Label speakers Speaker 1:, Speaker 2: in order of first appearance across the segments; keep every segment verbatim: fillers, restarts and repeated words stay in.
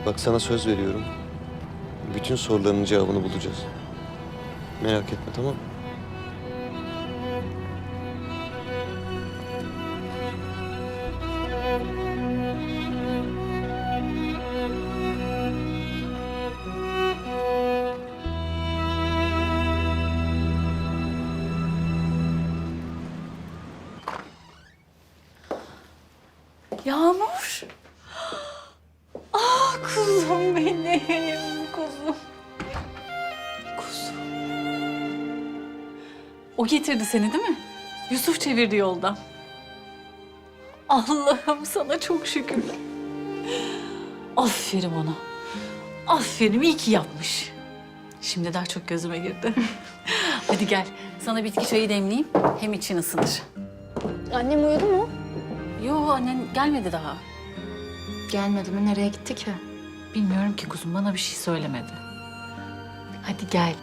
Speaker 1: Bak sana söz veriyorum. Bütün sorularının cevabını bulacağız. Merak etme, tamam mı?
Speaker 2: Yağmur. Ah kuzum benim, kuzum. Kuzum. O getirdi seni değil mi? Yusuf çevirdi yoldan. Allah'ım sana çok şükür. Aferin ona. Aferin, iyi ki yapmış. Şimdi daha çok gözüme girdi. Hadi gel, sana bitki çayı demleyeyim. Hem için ısınır.
Speaker 3: Annem uyudu mu?
Speaker 2: Yo, annen gelmedi daha.
Speaker 3: Gelmedi mi? Nereye gitti ki?
Speaker 2: Bilmiyorum ki kuzum, bana bir şey söylemedi. Hadi gel.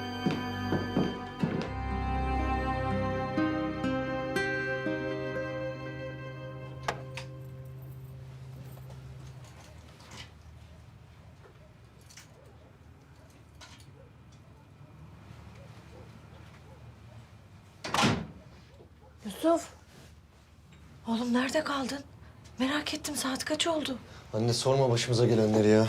Speaker 4: Yusuf. Oğlum nerede kaldın? Merak ettim, saat kaç oldu?
Speaker 1: Anne sorma başımıza gelenleri ya.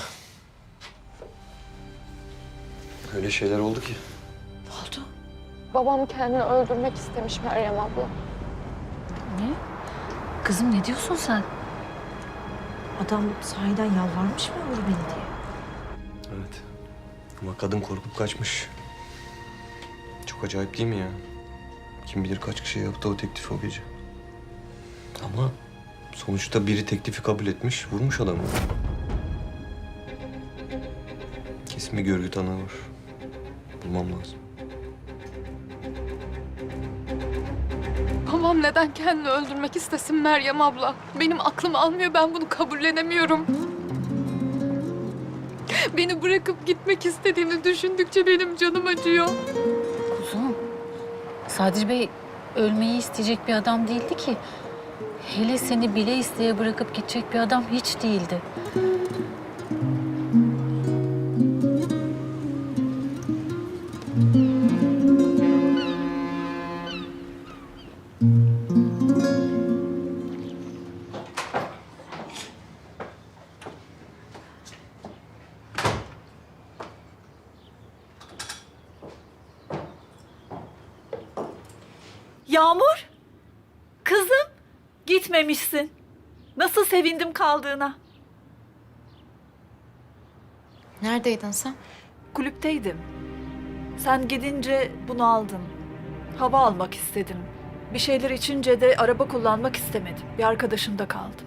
Speaker 1: Öyle şeyler oldu ki.
Speaker 4: Ne oldu?
Speaker 3: Babam kendini öldürmek istemiş Meryem abla.
Speaker 2: Ne? Kızım ne diyorsun sen?
Speaker 4: Adam sahiden yalvarmış mı vur beni diye?
Speaker 1: Evet. Ama kadın korkup kaçmış. Çok acayip değil mi ya? Kim bilir kaç kişiye yaptı o teklifi o gece. Ama sonuçta biri teklifi kabul etmiş, vurmuş adamı. Kesin bir görgü tanığı var. Bulmam lazım.
Speaker 5: Babam neden kendini öldürmek istesin Meryem abla? Benim aklım almıyor, ben bunu kabullenemiyorum. Beni bırakıp gitmek istediğini düşündükçe benim canım acıyor.
Speaker 2: Kuzum, Sadri Bey ölmeyi isteyecek bir adam değildi ki. Hele seni bile isteye bırakıp gidecek bir adam hiç değildi.
Speaker 6: Yağmur, kızım gitmemişsin. Nasıl sevindim kaldığına.
Speaker 3: Neredeydin sen?
Speaker 6: Kulüpteydim. Sen gidince bunu aldım. Hava almak istedim. Bir şeyler içince de araba kullanmak istemedim. Bir arkadaşımda kaldım.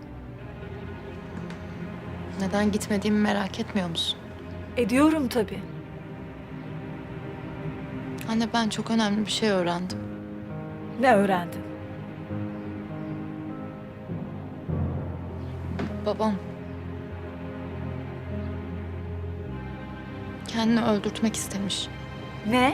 Speaker 3: Neden gitmediğimi merak etmiyor musun?
Speaker 6: Ediyorum tabii.
Speaker 3: Anne ben çok önemli bir şey öğrendim.
Speaker 6: Ne öğrendin?
Speaker 3: Babam kendini öldürtmek istemiş.
Speaker 6: Ne?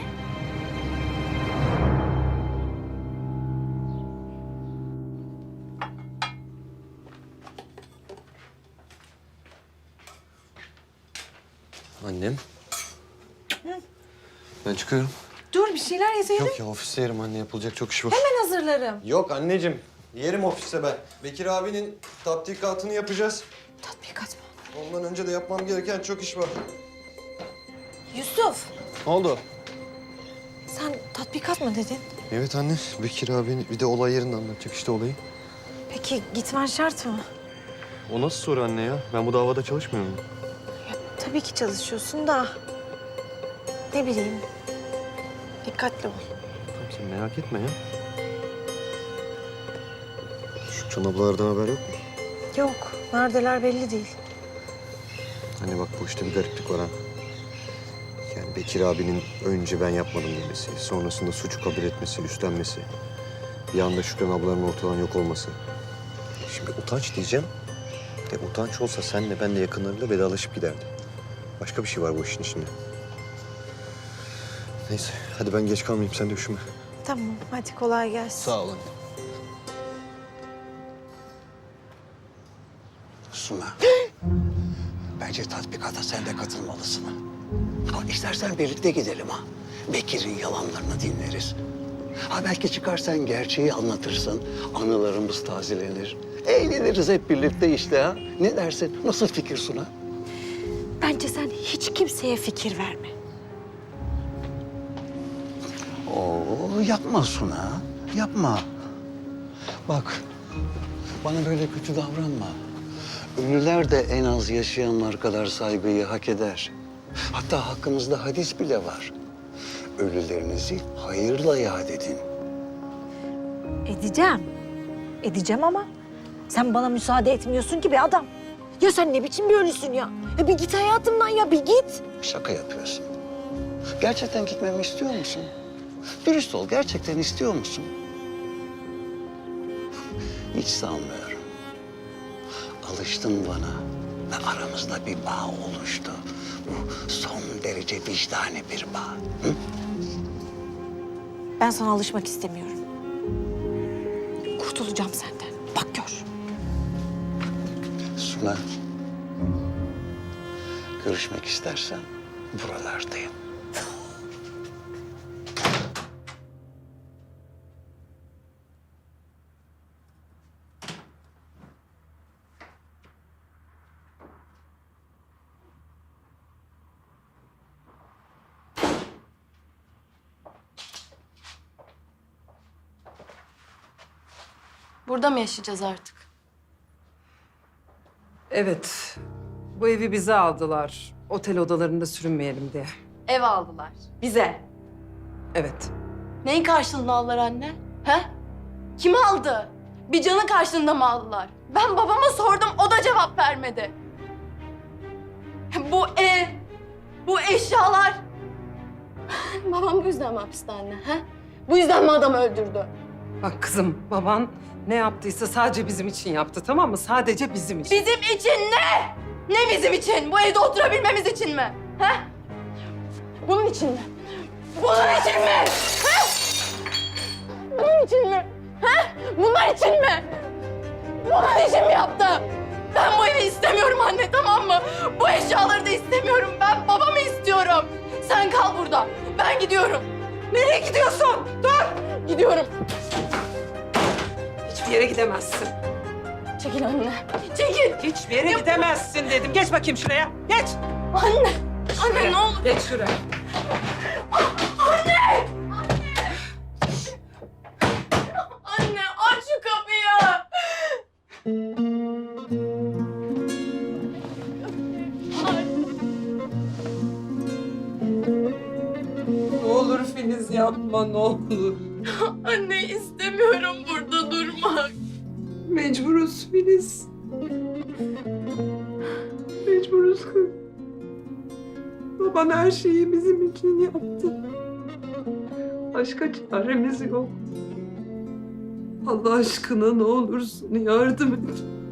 Speaker 1: Annem. Ben çıkıyorum.
Speaker 4: Dur, bir şeyler yeseydin.
Speaker 1: Yok ya ofiste yerim anne, yapılacak çok iş var.
Speaker 4: Ben hazırlarım.
Speaker 1: Yok anneciğim, yerim ofiste ben. Bekir abinin tatbikatını yapacağız.
Speaker 4: Tatbikat mı?
Speaker 1: Ondan önce de yapmam gereken çok iş var.
Speaker 4: Yusuf,
Speaker 1: Ne oldu?
Speaker 4: sen tatbikat mı dedin?
Speaker 1: Evet anne, Bekir abinin bir de olay yerinde anlatacak işte olayı.
Speaker 4: Peki gitmen şart mı?
Speaker 1: O nasıl soru anne ya? Ben bu davada çalışmıyor muyum?
Speaker 4: Tabii ki çalışıyorsun da... Ne bileyim. Dikkatli ol.
Speaker 1: Tamam sen merak etme ya. Şu Can ablalardan haber yok mu?
Speaker 4: Yok, neredeler belli değil.
Speaker 1: Hani bak bu işte bir gariplik var ha. Yani Bekir abinin önce ben yapmadım demesi, sonrasında suçu kabul etmesi, üstlenmesi. Bir anda Şükran ablanın ortadan yok olması. Şimdi utanç diyeceğim. De utanç olsa senle ben de yakınlarıyla vedalaşıp giderdi. Başka bir şey var bu işin içinde. Neyse hadi ben geç kalmayayım, sen de üşüme.
Speaker 4: Tamam, hadi kolay gelsin.
Speaker 1: Sağ ol anne.
Speaker 7: Suna. Bence tatbikata sen de katılmalısın. Ama istersen birlikte gidelim ha. Bekir'in yalanlarını dinleriz. Ha belki çıkarsan gerçeği anlatırsın. Anılarımız tazelenir. Eğleniriz hep birlikte işte ha. Ne dersin? Nasıl fikir Suna?
Speaker 4: Bence sen hiç kimseye fikir verme.
Speaker 7: Oo yapma Suna. Yapma. Bak bana böyle kötü davranma. Ölüler de en az yaşayanlar kadar saygıyı hak eder. Hatta hakkımızda hadis bile var. Ölülerinizi hayırla yad edin.
Speaker 4: Edeceğim. Edeceğim ama sen bana müsaade etmiyorsun ki be adam. Ya sen ne biçim bir ölüsün ya? Ya bir git hayatımdan ya bir git.
Speaker 7: Şaka yapıyorsun. Gerçekten gitmemi istiyor musun? Dürüst ol, gerçekten istiyor musun? Hiç sanmıyorum. Alıştın bana ve aramızda bir bağ oluştu. Bu son derece vicdani bir bağ. Hı?
Speaker 4: Ben sana alışmak istemiyorum. Kurtulacağım senden. Bak gör.
Speaker 7: Suna, görüşmek istersen buralardayım.
Speaker 8: Burada mı yaşayacağız artık?
Speaker 9: Evet. Bu evi bize aldılar. Otel odalarında sürünmeyelim diye.
Speaker 8: Ev aldılar. Bize.
Speaker 9: Evet.
Speaker 8: Neyin karşılığında aldılar anne? He? Kim aldı? Bir canın karşılığında mı aldılar? Ben babama sordum, o da cevap vermedi. Bu ev, bu eşyalar. Babam bu yüzden mi hapiste anne? He? Bu yüzden mi adamı öldürdü?
Speaker 9: Bak kızım, baban ne yaptıysa sadece bizim için yaptı, tamam mı? Sadece bizim için.
Speaker 8: Bizim için ne? Ne bizim için? Bu evde oturabilmemiz için mi? He? Bunun için mi? Bunun için mi? He? Bunun için mi? He? Bunlar için mi? Bunun için mi yaptı? Ben bu evi istemiyorum anne, tamam mı? Bu eşyaları da istemiyorum. Ben babamı istiyorum. Sen kal burada. Ben gidiyorum.
Speaker 9: Nereye gidiyorsun? Dur!
Speaker 8: Gidiyorum.
Speaker 9: Hiçbir yere gidemezsin.
Speaker 8: Çekil anne. Çekil.
Speaker 9: Hiçbir yere gidemezsin dedim. Geç bakayım şuraya. Geç.
Speaker 8: Anne. Anne
Speaker 9: Şuraya.
Speaker 8: ne olur.
Speaker 9: Geç şuraya.
Speaker 8: Anne! Anne aç şu kapıyı!
Speaker 9: Ne olur Filiz yapma, ne olur.
Speaker 8: Anne istemiyorum burada durmak.
Speaker 9: Mecburuz Filiz. Mecburuz kız. Baban her şeyi bizim için yaptı. Başka çaremiz yok. Allah aşkına ne olursun yardım et.